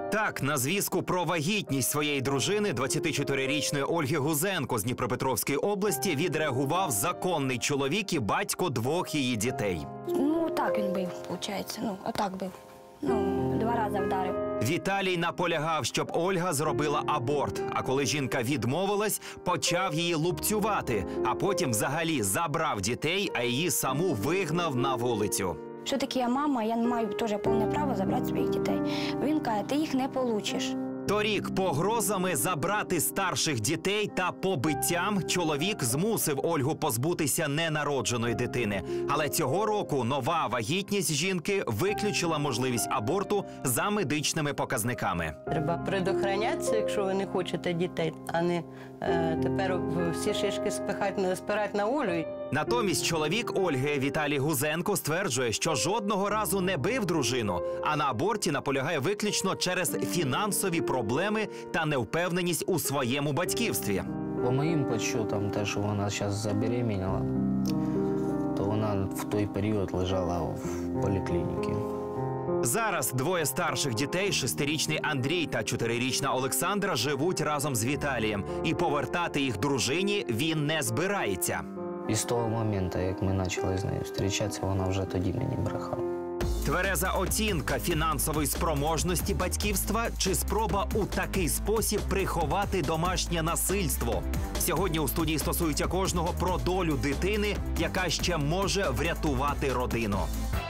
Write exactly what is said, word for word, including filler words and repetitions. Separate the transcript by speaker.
Speaker 1: Так, на звістку про вагітність своєї дружини, двадцятичотирирічної Ольги Гузенко з Дніпропетровської області, відреагував законний чоловік і батько двох її дітей.
Speaker 2: Ну, так він бив, виходить. Ну, отак бив. Ну, два рази вдарив.
Speaker 1: Віталій наполягав, щоб Ольга зробила аборт. А коли жінка відмовилась, почав її лупцювати. А потім взагалі забрав дітей, а її саму вигнав на вулицю.
Speaker 2: Що таке я мама, я маю теж повне право забрати своїх дітей. Він каже, ти їх не получиш.
Speaker 1: Торік погрозами забрати старших дітей та побиттям чоловік змусив Ольгу позбутися ненародженої дитини. Але цього року нова вагітність жінки виключила можливість аборту за медичними показниками.
Speaker 3: Треба предохранятися, якщо ви не хочете дітей, а не е, тепер всі шишки спихати, спирати на Олю.
Speaker 1: Натомість чоловік Ольги Віталій Гузенко стверджує, що жодного разу не бив дружину, а на аборті наполягає виключно через фінансові проблеми та невпевненість у своєму батьківстві.
Speaker 4: По моїм підсчетам, те, що вона зараз забеременіла, то вона в той період лежала в поліклініці.
Speaker 1: Зараз двоє старших дітей, шестирічний Андрій та чотирирічна Олександра, живуть разом з Віталієм. І повертати їх дружині він не збирається.
Speaker 4: І з того моменту, як ми почали з нею зустрічатися, вона вже тоді мені брехала.
Speaker 1: Твереза оцінка фінансової спроможності батьківства чи спроба у такий спосіб приховати домашнє насильство? Сьогодні у студії стосується кожного про долю дитини, яка ще може врятувати родину.